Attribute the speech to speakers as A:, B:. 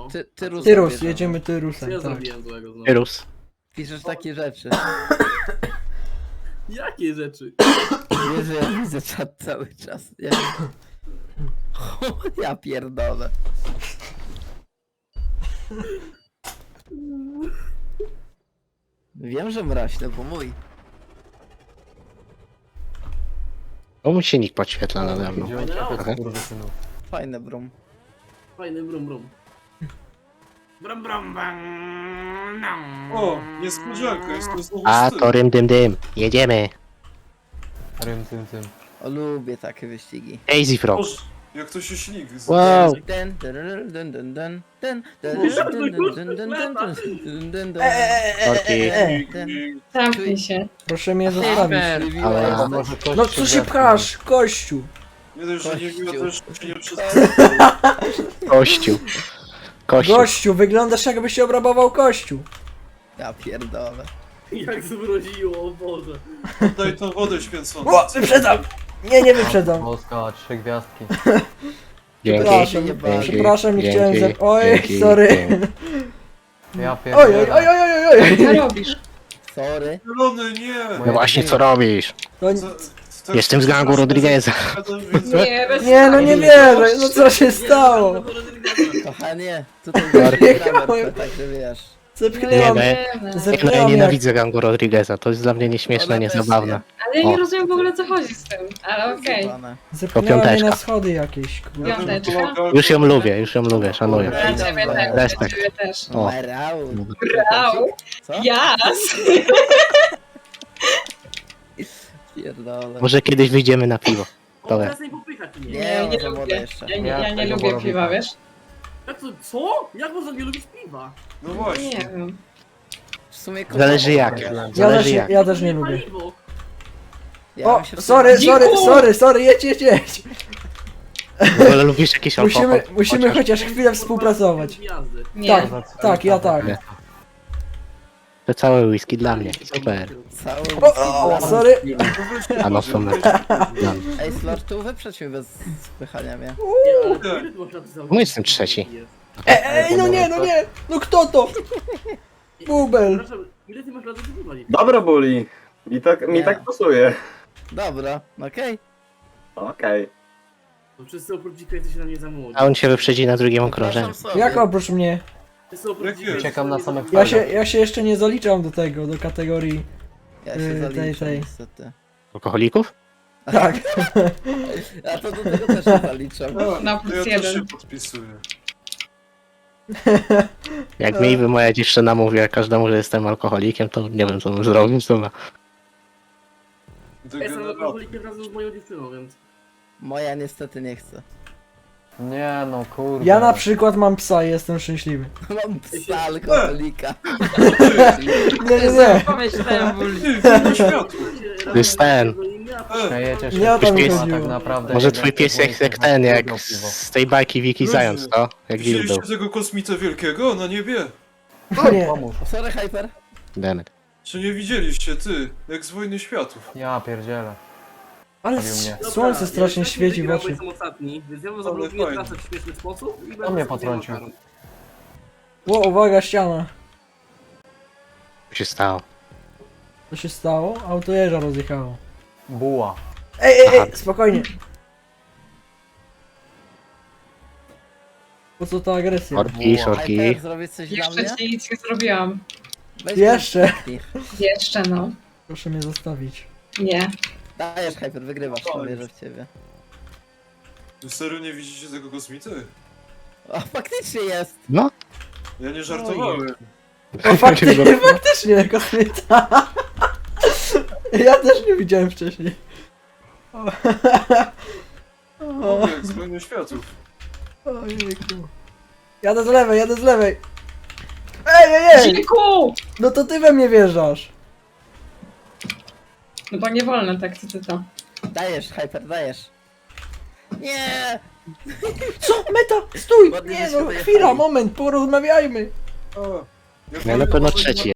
A: Tyrus.
B: Tyrus, jedziemy Tyrusem,
C: Ja
B: tak.
C: zrobiłem złego znowu.
D: Tyrus.
A: Piszesz takie rzeczy.
C: Jakie rzeczy?
A: Wiesz, że ja widzę czat cały czas. Ja pierdolę. Wiem, że mraźny, bo mój.
D: O, mu się nikt podświetla nade mną. Trochę.
A: Fajny brum.
C: Fajny brum brum. Brum brum bang.
E: O, niespodzianka, jest to znowu
D: A,
E: styl.
D: to rym dym dym. Jedziemy.
F: Rym, tym, tym.
A: O, lubię takie wyścigi.
D: Daisy Frog.
E: Boże, jak to się śligi.
D: Wow.
A: Ten, dun, dun, dun, dun, ten,
D: Korki.
G: Zamknij się.
B: Proszę mnie zostawić.
D: Ale
B: No co się pchasz, kościu?
E: Nie dość, że nie miło, też się nie przez...
D: kościół. Kościół.
B: Gościu, wyglądasz jakbyś się obrabował kościół.
A: Ja pierdolę.
C: Jak zmroziło, o Boże.
E: Oddaj tą wodę święconą.
B: O, wyprzedzam! Nie wyprzedzam.
F: Polska, 3 gwiazdki.
D: Dzięki.
B: Przepraszam,
D: Dzięki.
B: przepraszam, nie chciałem
D: Dzięki.
B: Oj,
D: Dzięki.
B: sorry.
D: Dzięki.
F: Ja
B: Oj, oj, oj, oj, oj, oj.
G: Co robisz?
A: Sorry.
E: Zielony, nie!
D: No właśnie, co robisz?
B: To,
E: Tak
D: Jestem z gangu Rodrigueza.
G: Nie, bez
B: nie, no nie wierzę, no co się stało?
A: Kochanie, tutaj
B: Jechałem.
A: także wiesz.
B: Zepchnęłam,
D: Nie,
F: no.
D: Ja
B: zepchnęłam jak...
D: nienawidzę gangu Rodrigueza. To jest dla mnie nieśmieszne,
A: Ona
D: niezabawne.
G: Ale ja nie
D: O.
G: rozumiem w ogóle co chodzi z tym. Ale okej.
B: Zepchnęłam mnie
D: piąteczka.
B: na schody jakieś, kurwa.
G: Piąteczka.
D: Już ją lubię, szanuję.
G: Dla ciebie też, dla
D: Respekt.
G: ciebie też.
D: O.
A: Merał.
G: Brał.
A: Co?
G: Jas!
A: Pierdolę.
D: Może kiedyś wyjdziemy na piwo.
C: O,
D: Dobra.
C: teraz nie popychać mnie.
A: Nie,
G: Nie
A: może młoda
G: lubię.
A: jeszcze.
G: Ja nie lubię piwa, wiesz?
C: Jak to, co? Jak można nie lubić piwa?
E: No
G: Nie
E: właśnie.
G: wiem.
A: W sumie
D: Zależy jak.
B: Ja też,
D: Zależy jak.
B: ja też nie lubię.
C: Paliwo.
A: Ja
B: O,
A: bym się
B: sorry, jedź.
D: W ogóle lubisz jakiś alkohol?
B: Musimy chociaż chwilę współpracować.
C: Jazdy.
G: Nie.
B: Tak, ja tak.
D: Nie. To całe whisky dla mnie. Super.
A: Cały
B: O, sorry.
D: A no są
A: Ej, Slor, tu wyprzedź mnie bez spychania mnie.
C: Nie, ale ile ty masz lat za-
D: Bo jestem trzeci.
B: Ej, no nie, no kto to? Bubel.
C: Przepraszam, ile ty masz lat za piwa?
H: Dobra, Buli. Mi tak pasuje.
A: Dobra, okej.
H: Okej.
C: To wszyscy oprócz dzika jesteście na mnie za młodzi.
D: A on się wyprzedzi na drugim okrążeniu.
A: Przepraszam sobie.
B: Jak oprócz mnie?
C: Wszyscy oprócz
E: Jak
C: dzika
E: jest?
F: Czekam na
C: jesteście
F: samych
C: mnie za
B: Ja się jeszcze nie zaliczam do tego, do kategorii.
A: Ja się zaliczę
B: tej.
A: niestety.
D: Alkoholików?
B: Tak.
A: Ja to do tego też się zaliczam.
G: Na
E: To
G: plus
E: ja też się
G: jeden.
E: podpisuję.
D: Jak mi by moja dziewczyna mówiła każdemu, że jestem alkoholikiem, to nie wiem co bym zrobił. Co ma.
C: Ja jestem alkoholikiem razem z moją dziewczyną, więc...
A: Moja niestety nie chce.
F: Nie no, kurde.
B: Ja na przykład mam psa i jestem szczęśliwy.
A: Mam psa alkoholika.
B: Nie.
G: Pomyślałem,
E: Ty, wolno światło.
D: To jest ten.
F: Śmiejecie się.
B: Nie o to mi
D: Pies-
B: chodziło.
F: Tak naprawdę
D: Może
F: jeden
D: twój pies
F: z
D: jak ten, jak
F: piwo, piwo.
D: z tej bajki Wiki Zając, to? Jak Will był.
E: Widzieliście tego kosmita wielkiego na niebie?
B: Nie.
F: Pomóż.
A: Sorry, Hyper.
D: Demet.
E: Czy nie widzieliście, ty? Jak z Wojny Światów.
F: Ja pierdzielę.
B: Ale
F: Robił mnie.
B: słońce strasznie świeci w oczy.
C: Jestem ostatni, więc ja bym
E: Ale
C: zablokuję
E: fajnie.
C: trasę w śmieszny sposób i
F: On
C: będę
F: mnie
C: sobie
F: potrącił.
C: makaron.
B: O, uwaga, ściana.
D: Co się stało?
B: Co się stało? Auto jeża rozjechało.
F: Buła.
B: Ej, spokojnie. Po co ta agresja?
D: Sorki, sorki.
A: Hyper, zrobię coś dla
G: Jeszcze
A: mnie?
G: ci nic nie zrobiłam.
A: Weź
B: Jeszcze.
A: mnie.
G: Jeszcze no.
B: Proszę mnie zostawić.
G: Nie.
A: Dajesz, Hyper, wygrywasz, to wierzę w ciebie.
E: Wy serio nie widzicie tego kosmity?
A: O, faktycznie jest.
D: No.
E: Ja nie żartowałem.
B: O, faktycznie, kosmita. Ja też nie widziałem wcześniej.
E: O, jak z Wojny Światów.
B: Ojejku. Jadę z lewej. Ej!
G: Dziku!
B: No to ty we mnie wjeżdżasz.
G: No bo nie wolno tak, co ty to.
A: Dajesz, Hyper, dajesz. Nie!
B: Co? Meta! Stój!
A: Ładnie
B: Nie
A: żeśmy
B: no,
A: dojechali.
B: chwila, moment, porozmawiajmy.
E: O,
D: Ja na pewno trzeci